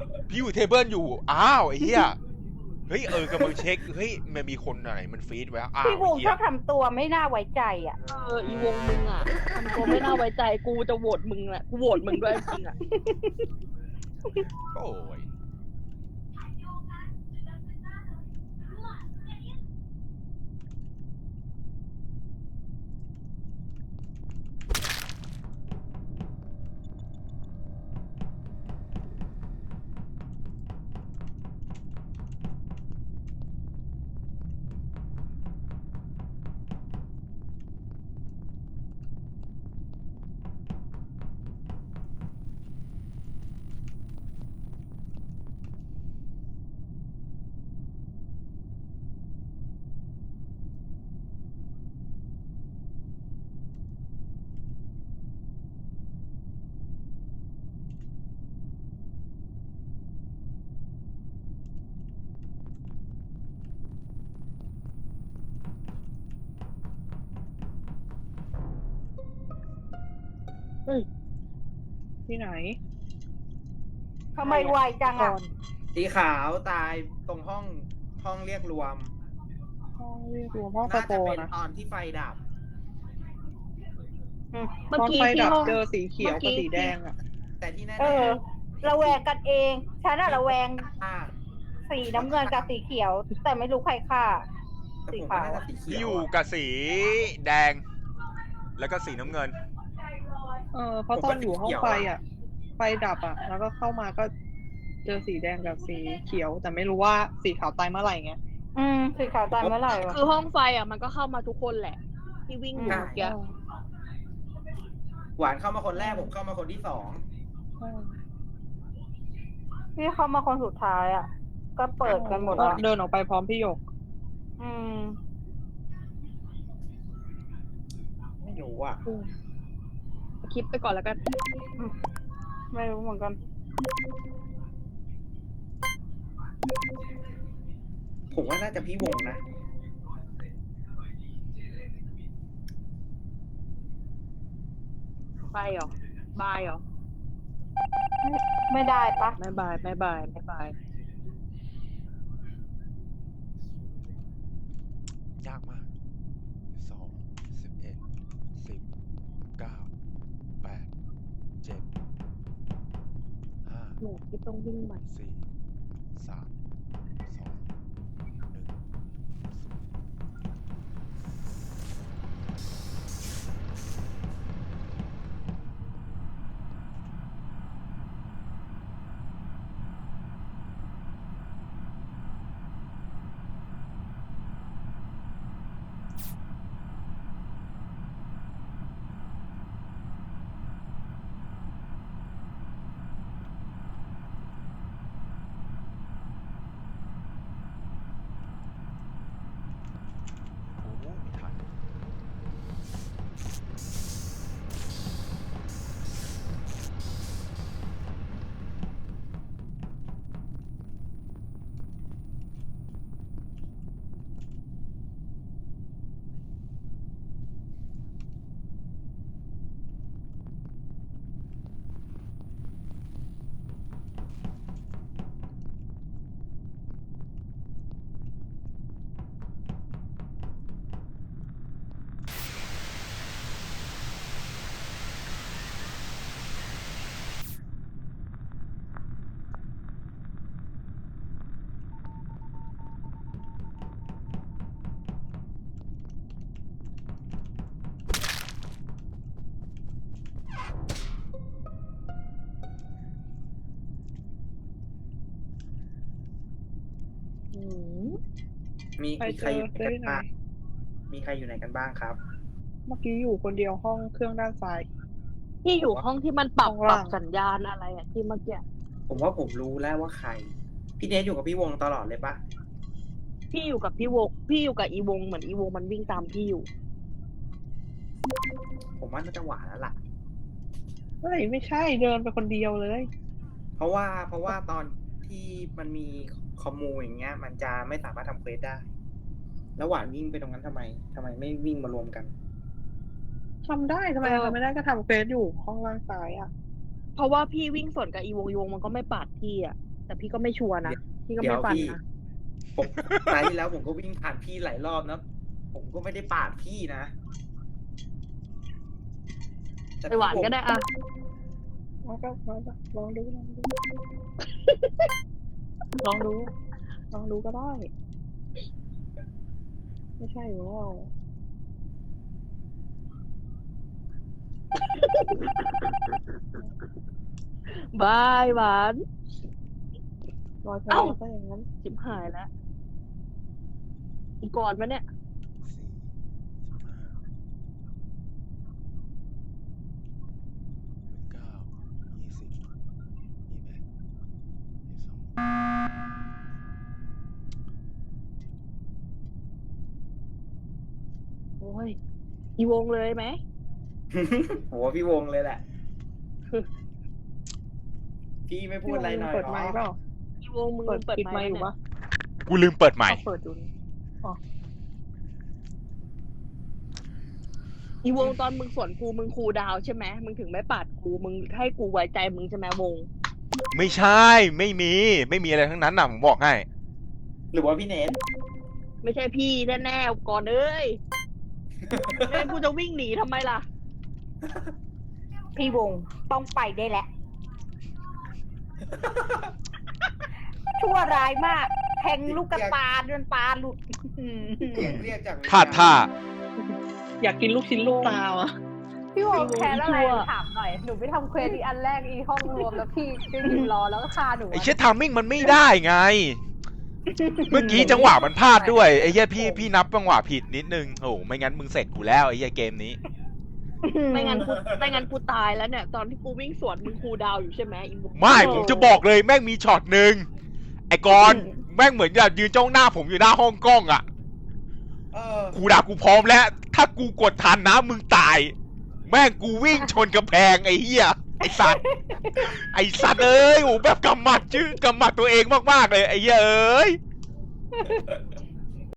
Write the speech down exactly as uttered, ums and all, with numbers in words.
พี่อยู่เทเบิลอยู่อ้าวไอ้เหี้ยเฮ้ยเออกำลังเช็คเฮ้ยมันมีคนไหนมันฟีดไว้อ้าพี่วไอ้เหี้ยวงชอบทำตัวไม่น่าไว้ใจอ่ะเอออีวงมึงอ่ะทำตัวไม่น่าไว้ใจกูจะโหวตมึงแหละกูโหวตมึงด้วยจริงอ่ะโอ้ยเฮ้ยที่ไหนทำไมไวจังก่อ่ะอนสีขาวตายตรงห้องห้องเรียกรวมห้องเรียกรวมห้องสน่าโปจะเป็นนะตอนที่ไฟดับอืมเมื่อตอนกี้ไฟที่ดับห้องเจอสีเขียวเมื่กับอกี้สีแดงอ่ะแต่ที่แน่เออๆระแวงกันเองฉันอะระแวงอ่าสีน้ำเงินกับสีเขียว แต่ไม่รู้ใครฆ่าแต่ผมว่าน่าจะสีเขีพี่ยวอยู่อะกับสีแดง แล้วก็สีน้ำเงินเออเพราะตอนอยู่ห้องไฟอ่ะ ไฟดับอ่ะ แล้วก็เข้ามาก็เจอสีแดงกับสีเขียว แต่ไม่รู้ว่าสีขาวตายเมื่อไหร่ไงอืมสีขาวตายเมื่อไหร่วะคือห้องไฟอ่ะมันก็เข้ามาทุกคนแหละ ที่วิ่งอยู่เมื่อกี้หวานเข้ามาคนแรกผมเข้ามาคนที่สองพี่เข้ามาคนสุดท้ายอ่ะ ก็เปิดกันหมดก็แล้วเดินออกไปพร้อมพี่หยกอืมไม่รู้อ่ะคลิปไปก่อนแล้วกันไม่รู้เหมือนกันผมว่าน่าจะพี่วงนะไปเหรอ บายเหรอไม่ได้ปะไม่บายไม่บายไม่บายยากมากสองสิบเอ็ดสิบเก้าแปดเจ็ดห้าหนูที่ต้องวิ่งใหม่สี่สามสองหนึ่ง โอ้โหไม่ทันอืมมีไปมีเจใครออยู่ไหนเจอกันที่ไหนบ้างมีใครอยู่ไหนกันบ้างครับเมื่อกี้อยู่คนเดียวห้องเครื่องด้านซ้ายที่อยู่ห้องที่มันปรับข้างปรัล่าบงสัญญาณอะไรอ่ะที่เมื่อกี้ผมว่าผมรู้แล้วว่าใคร พี่เนทอยู่กับพี่วงตลอดเลยปะพี่อยู่กับพี่วงพี่อยู่กับอีวงเหมือนอีวงมันวิ่งตามพี่อยู่ผมว่าน่าจะหวานแล้วล่ะเฮ้ยไม่ใช่เดินไปคนเดียวเลยเพราะว่าเพราะว่าตอนที่มันมีคอมมูอย่างเงี้ย มันจะไม่สามารถทำเควสได้ แล้วหวานวิ่งไปตรงนั้นทำไมทำไมไม่วิ่งมารวมกันทำได้ทำไมเออทำไม่ได้ก็ทำเฟซอยู่ห้องล่างซ้ายอ่ะเพราะว่าพี่วิ่งสวนกับอีวงอีวงมันก็ไม่ปาดพี่อ่ะแต่พี่ก็ไม่ชัวร์นะพี่ก็เดี๋ยไม่วฟันพี่นะผมตายที่แล้วผมก็วิ่งผ่านพี่หลายรอบนะผมก็ไม่ได้ปาดพี่นะแต่ไปหวานก็ได้อะมาก็มาก็ลองดูลองดู ลองดู ลองดูก็ได้ ไม่ใช่หรอบายหวานรอยแผลเอ้าก็อย่างนั้นจิบหายแล้วอีกก่อนมาเนี่ยสี่สิบห้าสิบเก้ายี่สิบยี่สิบเอ็ดยี่สิบสองโอ้ยอีวงเลยไหมโหพี่วงเลยแหละ พี่ไม่พูดอะไรหน่อยเปิดหรอไมค์เปล่าอีวงมึงเปิดเปิดปิดไมไมค์ค์อยู่เนี่ยปะกูลืมเปิดใหม่เอาเปิดดูนี่อีวงตอนมึงสวนกูมึงคูลดาวน์ใช่ไหมมึงถึงไม่ปาดกูมึงให้กูไว้ใจมึงใช่ไหมวงไม่ใช่ ไม่มี ไม่มีอะไรทั้งนั้นน่ะ ผมบอกให้หรือว่าพี่เนทไม่ใช่พี่แน่ๆก่อนเอ้ยไม่งั้นกูจะวิ่งหนีทำไมล่ะพี่วงต้องไปได้แหละ ชั่วร้ายมาก แทงลูกกระตาจนตาหลุดเสียงเรียกจากวิญญณพลาดท่าอยากกินลูกชิ้นลูกตาอ่ะพี่วงแค้นอะไรชั่วถามหน่อย หนูไปทำเควสอีอันแรกอีห้องรวมแล้วพี่ก็ยืนรอแล้วก็ฆ่าหนูไอ้เชี่ยทามมิ่งมันไม่ได้ไง เมื่อกี้จังหวะมันพลาดด้วย ไอ้เหี้ยพี่พี่นับจังหวะผิดนิดนึง โอ้โหไม่งั้นมึงเสร็จกูแล้วไอ้เหี้ยเกมนี้ไม่งั้นกูไม่งั้นกูตายแล้วเนี่ย ตอนที่กูวิ่งสวนมึงคูลดาวน์อยู่ใช่ไหมอีวงไม่ ผมจะบอกเลยแม่งมีช็อตหนึ่งไอ้กรณ์แม่งเหมือนจะยืนจ้องหน้าผมอยู่หน้าห้องกล้องอ่ะเออกูด่ากูพร้อมแล้ว ถ้ากูกดทันนะมึงตาย แม่งกูวิ่งชนกำแพงไอ้เหี้ย ไอ้สัตว์ ไอ้สัตว์เอ้ยโอ้แบบกำหมัดชื่อกำหมัดตัวเองมากๆเลยไอ้เหี้ยเอ้ย